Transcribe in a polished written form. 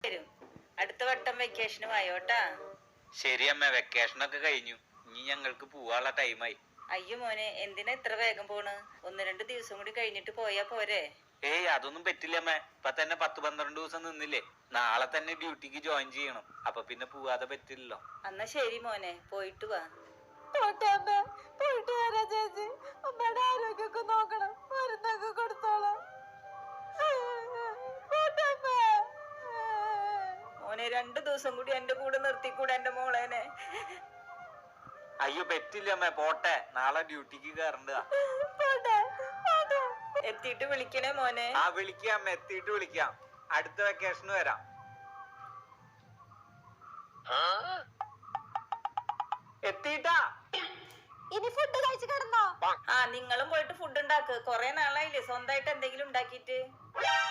വരും. അടുത്ത വട്ടം വെക്കേഷന് വായോട്ടാ. ശരി അമ്മ, വെക്കേഷനൊക്കെ കഴിഞ്ഞു, ഇനി ഞങ്ങൾക്ക് പോവാനുള്ള ടൈമായി. അയ്യോ മോനെ, എന്തിനാ ഇത്ര വേഗം പോണ്? 1-2 ദിവസം കൂടി കഴിഞ്ഞിട്ട് പോയാ പോരെ? ഏയ് അതൊന്നും പറ്റില്ല അമ്മ, ഇപ്പൊ തന്നെ 10-12 ദിവസം നിന്നില്ലേ. നാളെ തന്നെ ഡ്യൂട്ടിക്ക് ജോയിൻ ചെയ്യണം, അപ്പൊ പിന്നെ പോവാതെ പറ്റില്ലല്ലോ. എന്നാ ശരി മോനെ, പോയിട്ട് വാ. പോയിട്ട് വരാ ചേച്ചി. അമ്മയുടെ ആരോഗ്യമൊക്കെ നോക്കണം, മരുന്നൊക്കെ കൊടുത്തോളാം. മോനെ, 2 ദിവസം കൂടി എന്റെ കൂടെ നിർത്തിക്കൂടെ എന്റെ മോളേനെ? അയ്യോ പറ്റില്ല അമ്മ, പോട്ടെ, നാളെ ഡ്യൂട്ടിക്ക് കയറണ്ടതാ. എത്തിയിട്ട് വിളിക്കണേ മോനെ. ആ വിളിക്കാം അമ്മ, എത്തിയിട്ട് വിളിക്കാം. അടുത്ത വെക്കേഷന് വരാം. എത്തിട്ടാ. ഇനി ഫുഡ് കഴിച്ചു കിടന്നോ? ആ, നിങ്ങളും പോയിട്ട് ഫുഡ് ഉണ്ടാക്ക്. കൊറേ നാളായില്ലേ സ്വന്തമായിട്ട് എന്തെങ്കിലും ഉണ്ടാക്കിയിട്ട്.